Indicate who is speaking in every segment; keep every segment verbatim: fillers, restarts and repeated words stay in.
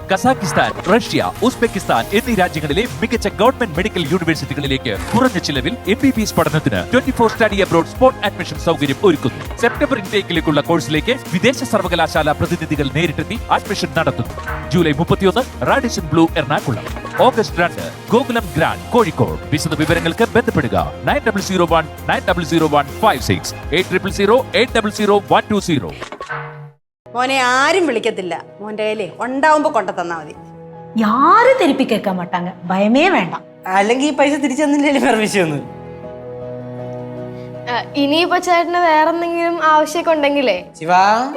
Speaker 1: Kazakhstan, Russia, Uzbekistan എന്നീ രാജ്യങ്ങളിലെ മികച്ച ഗവൺമെന്റ് മെഡിക്കൽ യൂണിവേഴ്സിറ്റികളിലേക്ക് കുറഞ്ഞ ചിലവിൽ എം ബി ബി എസ് പഠനത്തിന് twenty four study abroad spot admission സൗകര്യം ഒരുക്കുന്നു. സെപ്റ്റംബർ ഇൻടേക്കിലേക്കുള്ള കോഴ്സിലേക്ക് വിദേശ സർവകലാശാല പ്രതിനിധികൾ നേരിട്ടെത്തി അഡ്മിഷൻ നടത്തുന്നു. ജൂലൈ മുപ്പത്തിയൊന്ന് റാഡിഷൻ ബ്ലൂ എറണാകുളം, ഓഗസ്റ്റ് രണ്ട് ഗോകുലം ഗ്രാൻഡ് കോഴിക്കോട്. വിശദ വിവരങ്ങൾക്ക് ബന്ധപ്പെടുക nine double zero one nine double zero one five six eight triple zero eight double zero one two zero.
Speaker 2: മോനെ ആരും വിളിക്കത്തില്ല, മോന്റെ കയ്യിലേ ഉണ്ടാവുമ്പോ കൊണ്ട തന്നാ മതി.
Speaker 3: யாரும் திருப்பி கேட்க மாட்டாங்க, பயமே வேண்டாம்.
Speaker 4: അല്ലെങ്കിൽ ഈ പൈസ തിരിച്ചു തന്നില്ലേ വേറെ വിഷയമൊന്നും.
Speaker 5: ഇനിയിപ്പോ ചേട്ടന് വേറെ എന്തെങ്കിലും ആവശ്യമൊക്കെ ഉണ്ടെങ്കിലേ
Speaker 4: ശിവാ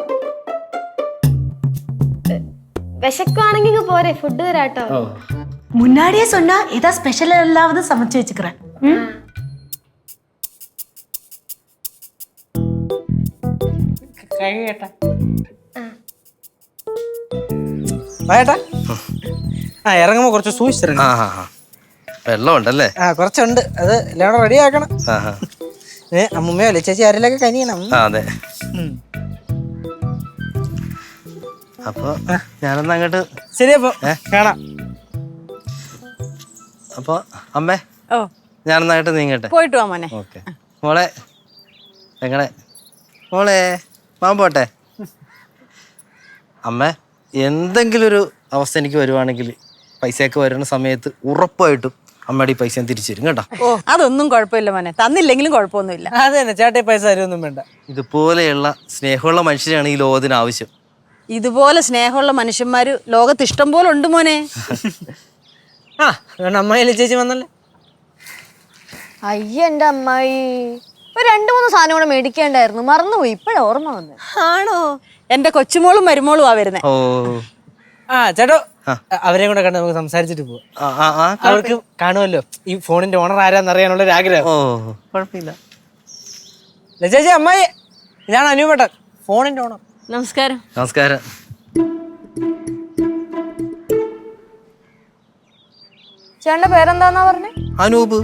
Speaker 5: വിശക്കുവാണെങ്കിൽ പോരെ, ഫുഡ് തരാട്ടോ.
Speaker 3: முன்னாடியே சொன்னா ஏதா ஸ்பெஷல் எல்லாவது சமைச்சு வச்சுக்கிறேன்.
Speaker 4: കഴിയട്ടാ വേട്ടാ. ആ ഇറങ്ങുമ്പോ കുറച്ച് സൂക്ഷിച്ചിറങ്ങി.
Speaker 6: വെള്ളം ഉണ്ടല്ലേ?
Speaker 4: ആ കുറച്ചുണ്ട്, അത് എല്ലാം കൂടെ റെഡി ആക്കണം. അമ്മൂമ്മയോ അല്ലെ ചേച്ചി ആരെല്ലാം കനിയണം.
Speaker 6: അതെ. അപ്പൊ ഞാനൊന്ന് അങ്ങോട്ട്.
Speaker 4: ശരി, അപ്പൊ കാണാം.
Speaker 6: അപ്പൊ അമ്മേ,
Speaker 2: ഓ
Speaker 6: ഞാനൊന്നായിട്ട് നീങ്ങട്ടെ.
Speaker 2: പോയിട്ട് വാ മോനെ.
Speaker 6: ഓക്കെ മോളെ. എങ്ങനെ മോളെ പാമ്പോട്ടെ. അമ്മേ, എന്തെങ്കിലും ഒരു അവസ്ഥ എനിക്ക് വരുവാണെങ്കിൽ പൈസയൊക്കെ വരുന്ന സമയത്ത് ഉറപ്പായിട്ടും അമ്മയുടെ ഈ പൈസ ഞാൻ തിരിച്ചു തരും കേട്ടോ.
Speaker 2: ഓ അതൊന്നും കുഴപ്പമില്ല മോനെ, തന്നില്ലെങ്കിലും കുഴപ്പമൊന്നുമില്ല.
Speaker 4: അത് തന്നെ ചേട്ടൻ പൈസ തരുമൊന്നും വേണ്ട.
Speaker 6: ഇതുപോലെയുള്ള സ്നേഹമുള്ള മനുഷ്യരാണ് ഈ ലോകത്തിന് ആവശ്യം.
Speaker 2: ഇതുപോലെ സ്നേഹമുള്ള മനുഷ്യന്മാര് ലോകത്ത് ഇഷ്ടം പോലെ ഉണ്ട് മോനെ.
Speaker 4: ആ അമ്മയിലെ ചേച്ചി വന്നല്ലേ.
Speaker 5: അയ്യ എന്റെ അമ്മായി, ഒരു രണ്ടു മൂന്ന് സാധനം കൂടെ മേടിക്കേണ്ടായിരുന്നു, മറന്നുപോയി, ഇപ്പഴാ ഓർമ്മ വന്നത്.
Speaker 2: ആണോ? എന്റെ കൊച്ചുമോളും മരുമോളും ആ വരുന്നേ.
Speaker 6: ഓ
Speaker 4: ആ ചേട്ടോ, അവരെയും കൂടെ കണ്ട് നമുക്ക് സംസാരിച്ചിട്ട് പോവാം. അവർക്ക് കാണുമല്ലോ ഈ ഫോണിന്റെ ഓണർ ആരാന്ന് അറിയാനുള്ള ഒരു ആഗ്രഹം.
Speaker 6: ഓ കുഴപ്പമില്ല.
Speaker 4: ചേച്ചി, അമ്മായി, ഇതാണ് അനുപേട്ടൻ, ഫോണിന്റെ ഓണർ.
Speaker 2: നമസ്കാരം.
Speaker 6: നമസ്കാരം.
Speaker 5: ചേട്ടന്റെ പേരെന്താന്നാ പറഞ്ഞേ?
Speaker 6: അനൂപ്.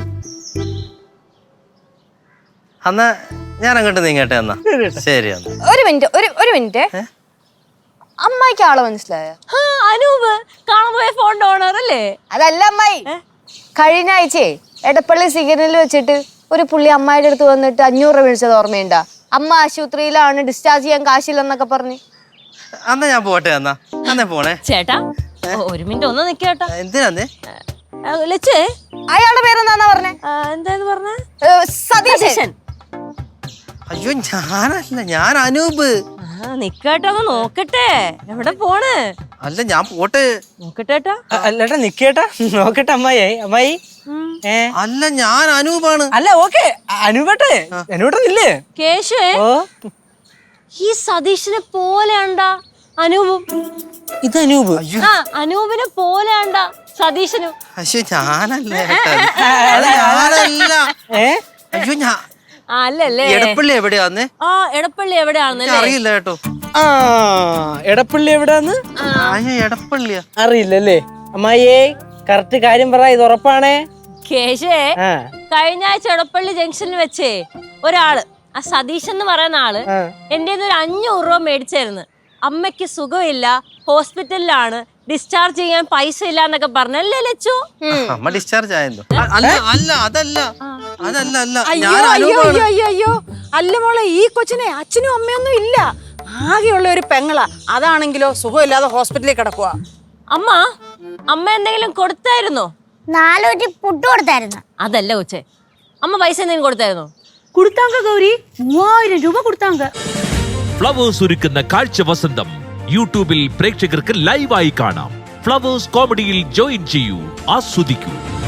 Speaker 6: എന്നാ ഞാൻ അങ്ങോട്ട് നീങ്ങട്ടെ. എന്നാ ശരി. എന്നാ
Speaker 5: ഒരു മിനിറ്റ്, ഒരു ഒരു മിനിറ്റ്. അമ്മായിക്ക് ആളെ മനസ്സിലായ?
Speaker 2: അനൂപ് കാണാൻ പോയ ഫോണിന്റെ ഓണർ അല്ലേ?
Speaker 5: അതല്ല അമ്മായി, കഴിഞ്ഞ ആഴ്ചയെ എടപ്പള്ളി സിഗ്നലിൽ വെച്ചിട്ട് ഒരു പുള്ളി അമ്മായിയുടെ അടുത്ത് വന്നിട്ട് അഞ്ഞൂറ് രൂപ മേടിച്ചത് ഓർമ്മയുണ്ടാ? അമ്മ ആശുപത്രിയിലാണ്, ഡിസ്ചാർജ് ചെയ്യാൻ കാശില്ലെന്നൊക്കെ പറഞ്ഞ്.
Speaker 6: അന്നാ ഞാൻ പോട്ടെ. എന്നാ അന്നേ പോണേ.
Speaker 7: ചേട്ടാ ഒരു മിനിറ്റ് ഒന്ന് നിക്കേട്ടാ.
Speaker 6: എന്തിനാന്നേ?
Speaker 7: ലച്ചേ,
Speaker 5: അയാളുടെ പേരെന്താന്നാ പറഞ്ഞേ?
Speaker 7: എന്താന്ന് പറഞ്ഞ?
Speaker 5: സതീശൻ.
Speaker 6: അയ്യോ ഞാനല്ല, ഞാൻ അനൂപ്.
Speaker 7: നിക്കേട്ടാ, ഒന്ന് നോക്കട്ടെ. എവിടെ പോണ്?
Speaker 6: അല്ല ഞാൻ പോട്ടെ.
Speaker 7: നോക്കട്ടേട്ടാ.
Speaker 4: അല്ലേട്ടാ നിക്കേട്ടാ, നോക്കട്ടെ. അമ്മായി, അമ്മായി. ഏ
Speaker 6: അല്ല ഞാൻ അനൂപാണ്.
Speaker 4: അല്ല ഓക്കെ, അനുപേട്ടെ അനുപേട്ടനില്ലേ?
Speaker 7: കേശുവേ,
Speaker 4: ഓ
Speaker 7: ഈ സതീഷിനെ പോലെയാണ്ടാ അനൂപും.
Speaker 4: ഇത് അനൂപ്.
Speaker 7: ആ അനൂപിനെ പോലെയാണ്ടാ സതീശനും.
Speaker 6: അയ്യോ ഞാനല്ല ഏട്ടാ. അത് ഞാനല്ല.
Speaker 4: ഏ
Speaker 6: അയ്യോ ഞാൻ
Speaker 7: അല്ലല്ലേ?
Speaker 6: എടപ്പള്ളി എവിടെയാന്നേ?
Speaker 7: ആ എടപ്പള്ളി എവിടെയാണെന്നല്ലേ?
Speaker 6: അറിയില്ല കേട്ടോ.
Speaker 4: ആ എടപ്പള്ളി എവിടാന്ന്?
Speaker 6: അയ്യോ എടപ്പള്ളിയാ?
Speaker 4: അറിയില്ലല്ലേ? അമ്മായിയേ കറക്റ്റ് കാര്യം പറ, ഇത് ഉറപ്പാണേ?
Speaker 7: കേശേ,
Speaker 4: ആ
Speaker 7: കഴിഞ്ഞ ആഴ്ച എടപ്പള്ളി ജംഗ്ഷനിൽ വെച്ചേ ഒരാള്, ആ സതീഷ് എന്ന് പറയുന്ന ആള് എന്റെ ഒരു അഞ്ഞൂറ് രൂപ മേടിച്ചായിരുന്നു. അമ്മയ്ക്ക് സുഖമില്ല, ഹോസ്പിറ്റലിലാണ്, ഡിസ്ചാർജ് ചെയ്യാൻ പൈസ ഇല്ല എന്നൊക്കെ പറഞ്ഞല്ലേ ലച്ചു?
Speaker 6: അമ്മ ഡിസ്ചാർജ് ആയല്ലോ. അല്ല അല്ല അതല്ല അതല്ല അല്ല
Speaker 2: അയ്യോ
Speaker 6: ഞാൻ
Speaker 2: അയ്യോ
Speaker 6: അനൂപാണ്.
Speaker 2: അയ്യോ അയ്യോ അയ്യോ അല്ല മോളെ, ഈ കൊച്ചിനെ അച്ഛനും അമ്മയൊന്നും ഇല്ല, ആകെയുള്ള ഒരു പെങ്ങളാ. അതാണെങ്കിലോ സുഖമില്ലാതെ ഹോസ്പിറ്റലിൽ കിടക്കുക.
Speaker 7: അമ്മ അമ്മ എന്തെങ്കിലും കൊടുത്തായിരുന്നോ?
Speaker 8: നാലൂറ്റി പുട്ട് കൊടുത്തായിരുന്നു.
Speaker 7: അതല്ല കൊച്ചേ, അമ്മ പൈസ എന്തെങ്കിലും കൊടുത്തായിരുന്നോ?
Speaker 3: கொடுத்தாங்க கௌரி, மூவாயிரம் ரூபாய் கொடுத்தாங்க.
Speaker 1: ഫ്ലവേഴ്സ് ഒരുക്കുന്ന കാഴ്ച വസന്തം യൂട്യൂബിൽ പ്രേക്ഷകർക്ക് ലൈവായി കാണാം. ഫ്ലവേഴ്സ് കോമഡിയിൽ ജോയിൻ ചെയ്യൂ, ആസ്വദിക്കൂ.